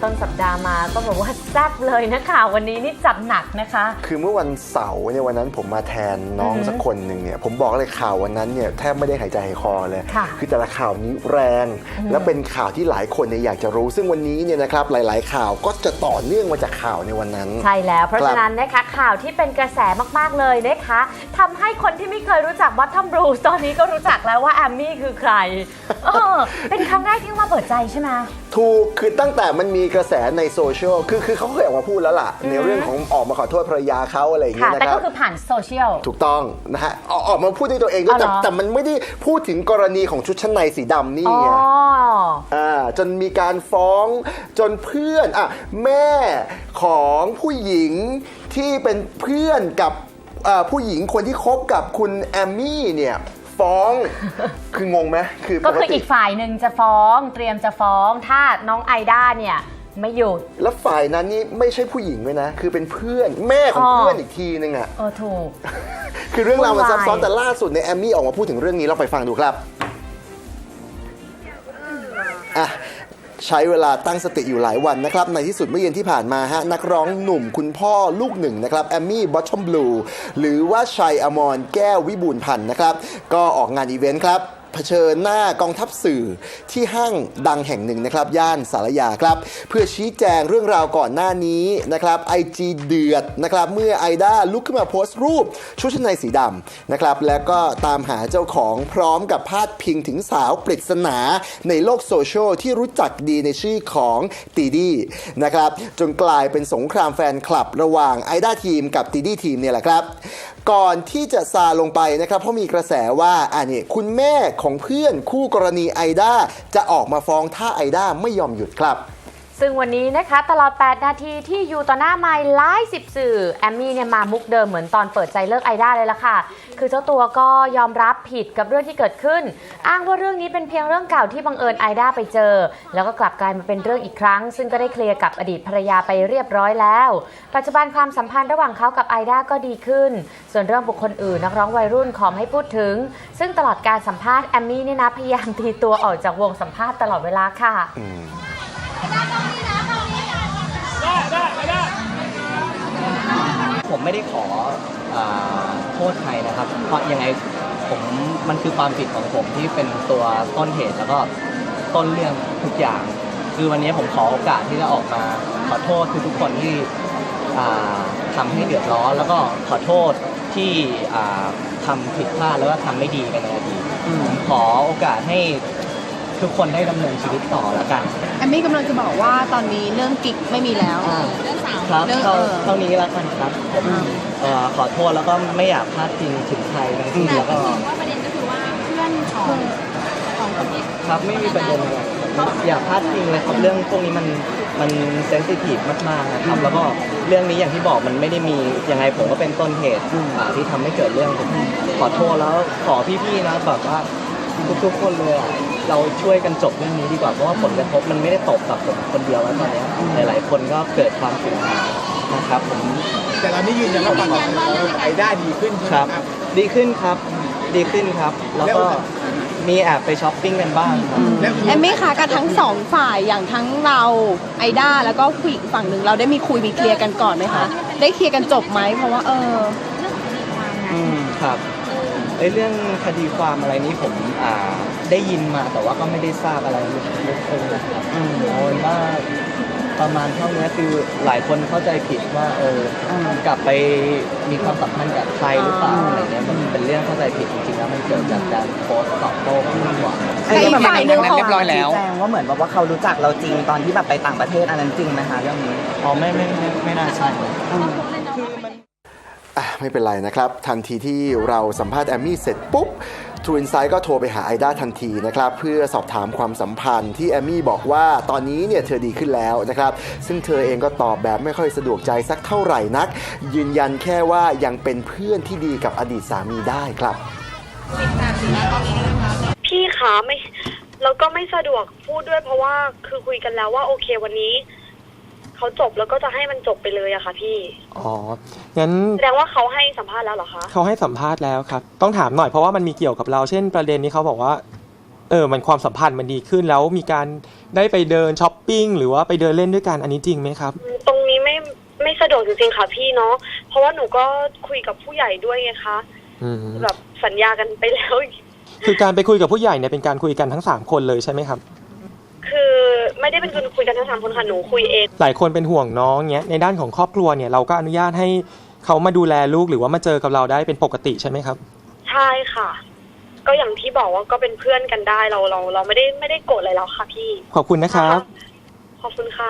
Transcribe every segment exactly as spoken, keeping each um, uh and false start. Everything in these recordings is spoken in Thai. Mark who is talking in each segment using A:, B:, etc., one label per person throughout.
A: ต้นสัปดาห์มาก็บอกว่าแซ่บเลยนะข่าววันนี้นี่จัดหนักนะคะ
B: คือเมื่อวันเสาร์เนี่ยวันนั้นผมมาแทนน้องสักคนหนึ่งเนี่ยผมบอกเลยข่าววันนั้นเนี่ยแทบไม่ได้หายใจหายคอเลยคือแต่ละข่าวนี้แรงและเป็นข่าวที่หลายคนเนี่ยอยากจะรู้ซึ่งวันนี้เนี่ยนะครับหลายๆข่าวก็จะต่อเนื่องมาจากข่าวในวันนั้น
A: ใช่แล้วเพราะฉะนั้นนะคะข่าวที่เป็นกระแสมากๆเลยนะคะทำให้คนที่ไม่เคยรู้จัก Bottom Blues ตอนนี้ก็รู้จักแล้วว่าแอมมี่คือใครเออเป็นครั้งแรกที่มาเปิดใจใช่ไหม
B: ถูกคือตั้งแต่มันมีกระแสในโซเชียลคือคือเขาเคยออกมาพูดแล้วล่ะในเรื่องของออกมาขอโทษภรรยาเขาอะไรอย่างเงี้ยนะครับ
A: แต่ก็คือผ่านโซเชียล
B: ถูกต้องนะฮะออกมาพูดด้วยตัวเองด้วยแต่แต่มันไม่ได้พูดถึงกรณีของชุดชั้นในสีดำนี่ไงอ่าจนมีการฟ้องจนเพื่อนอ่ะแม่ของผู้หญิงที่เป็นเพื่อนกับผู้หญิงคนที่คบกับคุณแอมมี่เนี่ยฟ้องคืองงไหมคือ
A: ก็คืออีกฝ่ายหนึ่งจะฟ้องเตรียมจะฟ้องถ้าน้องไอด้าเนี่ยไม่หยุด
B: แล้วฝ่ายนั้นนี่ไม่ใช่ผู้หญิงด้วยนะคือเป็นเพื่อนแม่ของเพื่อนอีกทีนึงอ่ะ
A: เออถูก
B: คือเรื่องราวมันซับซ้อนแต่ล่าสุดในแอมมี่ออกมาพูดถึงเรื่องนี้เราไปฟังดูครับอ่ะใช้เวลาตั้งสติอยู่หลายวันนะครับในที่สุดเมื่อเย็นที่ผ่านมาฮะนักร้องหนุ่มคุณพ่อลูกหนึ่งนะครับแอมมี่บอททอมบลูหรือว่าชัยอมรแก้ววิบูลย์พันธ์นะครับก็ออกงานอีเวนต์ครับเผชิญหน้ากองทัพสื่อที่ห้างดังแห่งหนึ่งนะครับย่านสารยาครับเพื่อชี้แจงเรื่องราวก่อนหน้านี้นะครับ ไอ จี เดือดนะครับเมื่อไอด้าลุกขึ้นมาโพสต์รูปชุดชั้นในสีดำนะครับแล้วก็ตามหาเจ้าของพร้อมกับพาดพิงถึงสาวปริศนาในโลกโซเชียลที่รู้จักดีในชื่อของตีดี้นะครับจนกลายเป็นสงครามแฟนคลับระหว่างไอด้าทีมกับตีดี้ทีมเนี่ยแหละครับก่อนที่จะซาลงไปนะครับเพราะมีกระแสว่าอันนี้คุณแม่ของเพื่อนคู่กรณีไอด้าจะออกมาฟ้องถ้าไอด้าไม่ยอมหยุดครับ
A: ซึ่งวันนี้นะคะตลอดแปดนาทีที่อยู่ต่อหน้าไมค์ไลฟ์สิบสื่อแอมมี่เนี่ยมามุกเดิมเหมือนตอนเปิดใจเลิกไอด้าเลยล่ะค่ะคือเจ้าตัวก็ยอมรับผิดกับเรื่องที่เกิดขึ้นอ้างว่าเรื่องนี้เป็นเพียงเรื่องเก่าที่บังเอิญไอด้าไปเจอแล้วก็กลับกลายมาเป็นเรื่องอีกครั้งซึ่งก็ได้เคลียร์กับอดีตภรรยาไปเรียบร้อยแล้วปัจจุบันความสัมพันธ์ระหว่างเขากับไอด้าก็ดีขึ้นส่วนเรื่องบุคคลอื่นนักร้องวัยรุ่นขอไม่พูดถึงซึ่งตลอดการสัมภาษณ์แอมมี่เนี่ยนะพยายามตีตัวออกจากวงสัมภาษณ์ตลอดเวลาค่ะ
C: ผมไม่ได้ขอโทษใครนะครับเพราะยังไงผมมันคือความผิดของผมที่เป็นตัวต้นเหตุแล้วก็ต้นเรื่องทุกอย่างคือวันนี้ผมขอโอกาสที่จะออกมาขอโทษทุกคนที่ทำให้เดือดร้อนแล้วก็ขอโทษที่ทำผิดพลาดแล้วก็ทำไม่ดีกันในอดีตผมขอโอกาสให้ทุกคนได้ดำเนินชีวิตต่อแล้วกัน
D: แอมมี่กำลังจะบอกว่าตอนนี้เรื่องกิ๊กไม่มีแล้ว
C: เรื่องสาวครับเท่านี้แล้วกันครับขอโทษแล้วก็ไม่อยากพลาดพิงถึงใครทั้งสิ้นแล้วก็
D: ว่าประเด็นก็คือว่าเพื่อนของของคนที่
C: ครับไม่มีประเด็นอะไรอยากพลาดพิงเลยครับเรื่องพวกนี้มันมันเซนซิทีฟมากๆนะครับแล้วก็เรื่องนี้อย่างที่บอกมันไม่ได้มียังไงผมก็เป็นต้นเหตุที่ทำให้เกิดเรื่องผมขอโทษแล้วขอพี่ๆนะแบบว่าทุกๆคนเลยเราช่วยกันจบเรื่องนี้ดีกว่าเพราะว่าผลกระทบมันไม่ได้ตกกับผมคนเดียวแล้วตอนนี้หลายๆคนก็เกิดความเสียหายนะครับผม
E: แต่เรานี่ยืนยันว่าความสัมพันธ์ไอด้าดีขึ้น
C: ครับดีขึ้นครับดีขึ้นครับแล้วก็มีแอบไปช้อปปิ้งกันบ้าง
D: แอมมี่คะกับทั้งสองฝ่ายอย่างทั้งเราไอด้าแล้วก็ผู้หญิงฝั่งหนึ่งเราได้มีคุยมีเคลียร์กันก่อนไหมคะได้เคลียร์กันจบไหมเพราะว่าเออ
C: อืมครับในเรื่องคดีความอะไรนี้ผมอ่าได้ยินมาแต่ว่าก็ไม่ได้ทราบอะไรลึกซึ้งนะครับเอาเป็นว่าประมาณเท่านี้คือหลายคนเข้าใจผิดว่าเออกลับไปมีความสัมพันธ์กับใครหรือเปล่าอะไรเงี้ยมันเป็นเรื่องเข้าใจผิดจริงๆแล้วมันเกิดจากการโพสต์ตอบโต้มากกว่า
D: ไอ้ฝ่ายนึงเขา
F: เรียบร้อยแล้วแจ้งว่าเหมือนว่าเขารู้จักเราจริงตอนที่แบบไปต่างประเทศอันนั้นจริงไหมคะเรื่องนี้
C: อ๋อไม่ไม่ไม่ไม่น่าใช่
B: ไม่เป็นไรนะครับทันทีที่เราสัมภาษณ์แอมมี่เสร็จปุ๊บทรูอินไซด์ก็โทรไปหาไอด้าทันทีนะครับเพื่อสอบถามความสัมพันธ์ที่แอมมี่บอกว่าตอนนี้เนี่ยเธอดีขึ้นแล้วนะครับซึ่งเธอเองก็ตอบแบบไม่ค่อยสะดวกใจสักเท่าไหร่นักยืนยันแค่ว่ายังเป็นเพื่อนที่ดีกับอดีตสามีได้ครับ
G: พี่คะไม่แล้วก็ไม่สะดวกพูดด้วยเพราะว่าคือคุยกันแล้วว่าโอเควันนี้เขาจบแล้วก็จะให้มันจบไปเลยอะค่ะพี่
H: อ๋องั้น
G: แสดงว่าเขาให้สัมภาษณ์แล้วเหรอคะ
H: เขาให้สัมภาษณ์แล้วครับต้องถามหน่อยเพราะว่ามันมีเกี่ยวกับเราเช่นประเด็นนี้เขาบอกว่าเออมันความสัมพันธ์มันดีขึ้นแล้วมีการได้ไปเดินช้อปปิ้งหรือว่าไปเดินเล่นด้วยกันอันนี้จริงไหมครับ
G: ตรงนี้ไม่ไม่สะดวกจริงๆค่ะพี่เนาะเพราะว่าหนูก็คุยกับผู้ใหญ่ด้วยไงคะ
H: อืม
G: แบบสัญญากันไปแล้ว
H: คือการไปคุยกับผู้ใหญ่เนี่ยเป็นการคุยกันทั้งสามคนเลยใช่ไหมครับ
G: คือไม่ได้เป็นคนคุยกันทั้งสามคนค่ะหนูคุยเอง
H: หลายคนเป็นห่วงน้องเนี้ยในด้านของครอบครัวเนี่ยเราก็อนุญาตให้เขามาดูแลลูกหรือว่ามาเจอกับเราได้เป็นปกติใช่ไหมครับ
G: ใช่ค่ะ ก็อย่างที่บอกว่าก็เป็นเพื่อนกันได้เราเราเราไม่ได้ไม่ได้โกรธอะไรแล้วค่ะพี่
H: ขอบคุณนะครับ
G: ขอบคุณค่ะ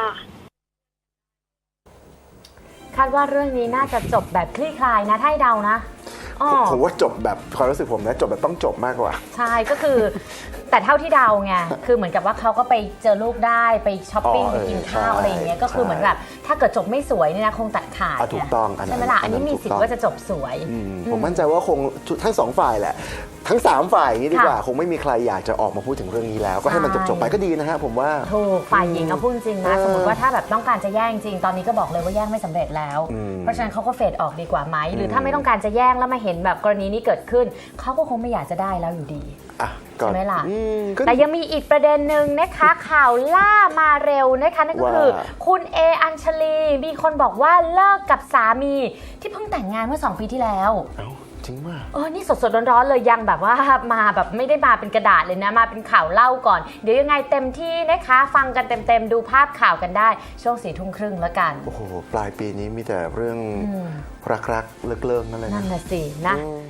A: คาดว่าเรื่องนี้น่าจะจบแบบคลี่คลายนะถ้าให้เดานะอ๋อ
B: ผมว่าจบแบบความรู้สึกผมนะจบแบบต้องจบมากกว่า
A: ใช่ก็คือ แต่เท่าที่เดาไงคือเหมือนกับว่าเขาก็ไปเจอลูกได้ไปช้อปปิ้ง
B: อ๋อ
A: ไป
B: เออ
A: กินข้าว
B: ใช่
A: อะไรอย่างเงี้ยก็คือเหมือนแบบถ้าเกิดจบไม่สวยเนี่ยนะคงตัดขาด
B: อ่ะถูกต้องอันนั้น
A: ใช่ไหมล่ะอันนี้
B: อันนั้น
A: มีสิท
B: ถูกต้อง
A: ธิ์ว่าจะจบสวย
B: อืมผมมั่นใจว่าคงทั้งสองฝ่ายแหละ ทั้งสามฝ่ายอย่างนี้ดีกว่า
A: ค่ะ
B: คงไม่มีใครอยากจะออกมาพูดถึงเรื่องนี้แล้ว ก็ให้มัน
A: ใช่
B: จบๆไปก็ดีนะฮะผมว่า
A: ถูกฝ่ายหญิงเอาพูดจริงนะ
B: เออ
A: สมมติว่าถ้าแบบต้องการจะแย่งจริงตอนนี้ก็บอกเลยว่าแย่งไม่สำเร็จแล้ว
B: อืม
A: เพราะฉะนั้นเขาก็เฟดออกดีกว่าไหมหรือ
B: ม
A: ถ้าไม่ต้องการจะแย่งแล้วมาเห็นแบบกรณีนี้เกิดขึ้นเขาก็คงไม่อยากจะได้แล้วอยู่ดี
B: อ่ะก็
A: ใช่ไหมล่ะ
B: อืมก็
A: แต่ยังมีอีกประเด็นหนึ่งนะคะ ข่าวล่ามาเร็วนะคะนั่นก็คือ
B: ว่า
A: คุณเออัญชลีมีคนบอกว่าเลิกกับสามีที่เพิ่งแต่งงานเมื่อสองปีที่แล้ว
B: เอ้าจริงมาก
A: เออนี่สดๆร้อนๆเลยยังแบบว่ามาแบบไม่ได้มาเป็นกระดาษเลยนะมาเป็นข่าวเล่าก่อนเดี๋ยวยังไงเต็มที่นะคะฟังกันเต็มๆดูภาพข่าวกันได้ช่วงสี่ทุ่มครึ่งแล้วกัน
B: โอ้โห ปลายปีนี้มีแต่เรื่อง
A: อืม
B: รักๆ เลิกๆนั่นเลย
A: นั่
B: นะ
A: นน่ะสินะ
B: อืม